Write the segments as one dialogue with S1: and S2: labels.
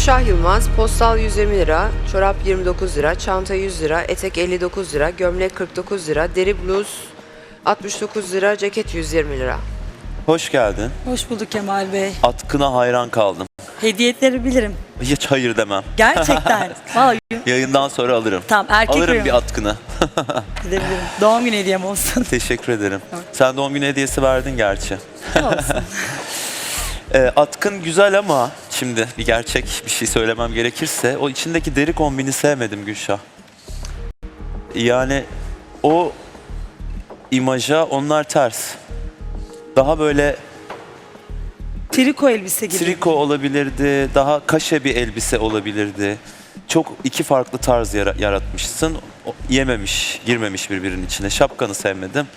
S1: Gülşah Yılmaz, postal 120 lira, çorap 29 lira, çanta 100 lira, etek 59 lira, gömlek 49 lira, deri bluz 69 lira, ceket 120 lira.
S2: Hoş geldin.
S3: Hoş bulduk Kemal Bey.
S2: Atkına hayran kaldım.
S3: Hediyeleri bilirim.
S2: Hiç hayır demem.
S3: Gerçekten. Vallahi
S2: Yayından sonra alırım.
S3: tamam, erkek
S2: Alırım
S3: uyumu.
S2: bir atkını.
S3: Gidebilirim. Doğum günü hediyem olsun.
S2: Teşekkür ederim. Sen doğum günü hediyesi verdin gerçi.
S3: Olsun.
S2: Atkın güzel ama şimdi bir gerçek bir şey söylemem gerekirse o içindeki deri kombini sevmedim Gülşah. Yani o imaja onlar ters. Daha böyle
S3: Triko elbise gibi.
S2: triko olabilirdi, daha kaşe bir elbise olabilirdi. Çok iki farklı tarz yaratmışsın. Yememiş, girmemiş birbirinin içine. Şapkanı sevmedim.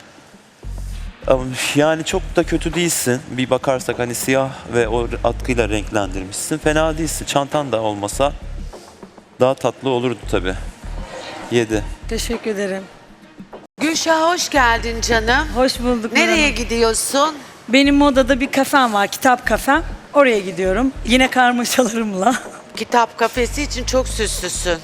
S2: Yani çok da kötü değilsin. Bir bakarsak hani siyah ve o atkıyla renklendirmişsin. Fena değilsin. Çantan da olmasa daha tatlı olurdu tabii. 7.
S3: Teşekkür ederim.
S4: Gülşah hoş geldin canım.
S3: Hoş bulduk.
S4: Nereye
S3: Nurhan'ım.
S4: gidiyorsun?
S3: Benim modada bir kafem var. Kitap kafem. Oraya gidiyorum. Yine karmaşalarımla.
S4: Kitap kafesi için çok süslüsün.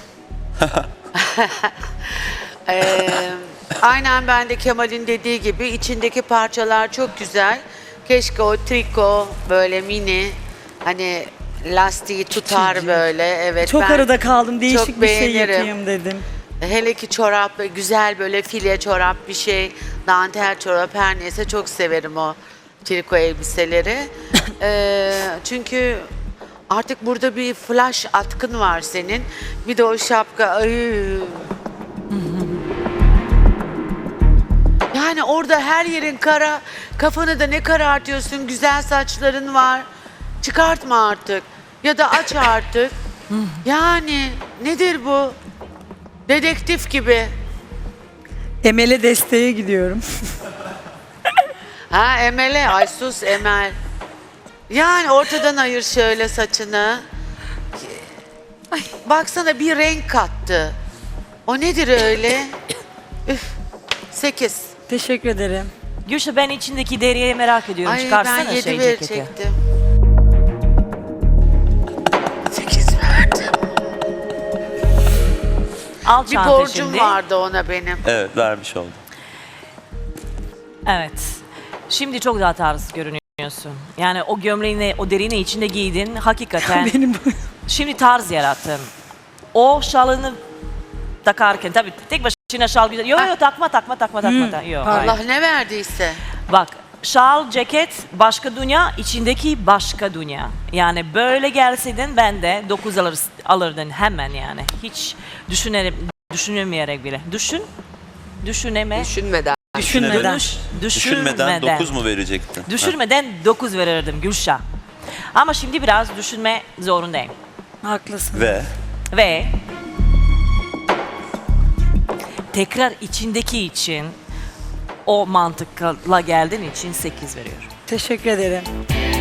S4: Aynen ben de Kemal'in dediği gibi içindeki parçalar çok güzel. Keşke o triko böyle mini hani lastiği tutar
S3: Küçücük.
S4: böyle. Evet.
S3: Çok
S4: ben
S3: arada kaldım. Değişik
S4: çok
S3: bir şey
S4: beğenirim.
S3: yapayım dedim.
S4: Hele ki çorap güzel böyle file çorap bir şey, dantel çorap her neyse çok severim o triko elbiseleri. Çünkü artık burada bir flash atkın var senin. Bir de o şapka. Ay. Yani orada her yerin kara, kafanı da ne karartıyorsun, güzel saçların var. Çıkartma artık ya da aç artık. Yani nedir bu? Dedektif gibi.
S3: Emel'e desteğe gidiyorum.
S4: Ha Emel'e, ay sus Emel. Yani ortadan ayır şöyle saçını. Ay, baksana bir renk kattı. O nedir öyle? Üf, 8.
S3: Teşekkür ederim.
S5: Gülşah ben içindeki deriyi merak ediyorum.
S4: Ay
S5: Çıkarsana
S4: ben 7
S5: şey ceketi.
S4: verecektim. 8 verdim.
S5: Al
S4: Bir
S5: çanta
S4: borcum
S5: şimdi.
S4: vardı ona benim.
S2: Evet, vermiş oldum.
S5: Evet. Şimdi çok daha tarz görünüyorsun. Yani o gömleğini, o derini içinde giydin. Hakikaten
S3: Benim bu.
S5: şimdi tarz yarattın. O şalını takarken tabii tek başına şal güzel. Yok yok takma. Yok, hayır.
S4: Allah ne verdiyse.
S5: Bak şal, ceket başka dünya, içindeki başka dünya. Yani böyle gelseydin ben de 9 alırdın hemen yani. Hiç düşünemeyerek bile. Düşünmeden.
S3: Düşünmeden.
S2: Düşünmeden 9 mu verecektin?
S5: Düşürmeden 9 verirdim Gülşah. Ama şimdi biraz düşünme zorundayım.
S3: Haklısın.
S2: Ve
S5: Tekrar içindeki için o mantıkla geldiğin için 8 veriyorum.
S3: Teşekkür ederim.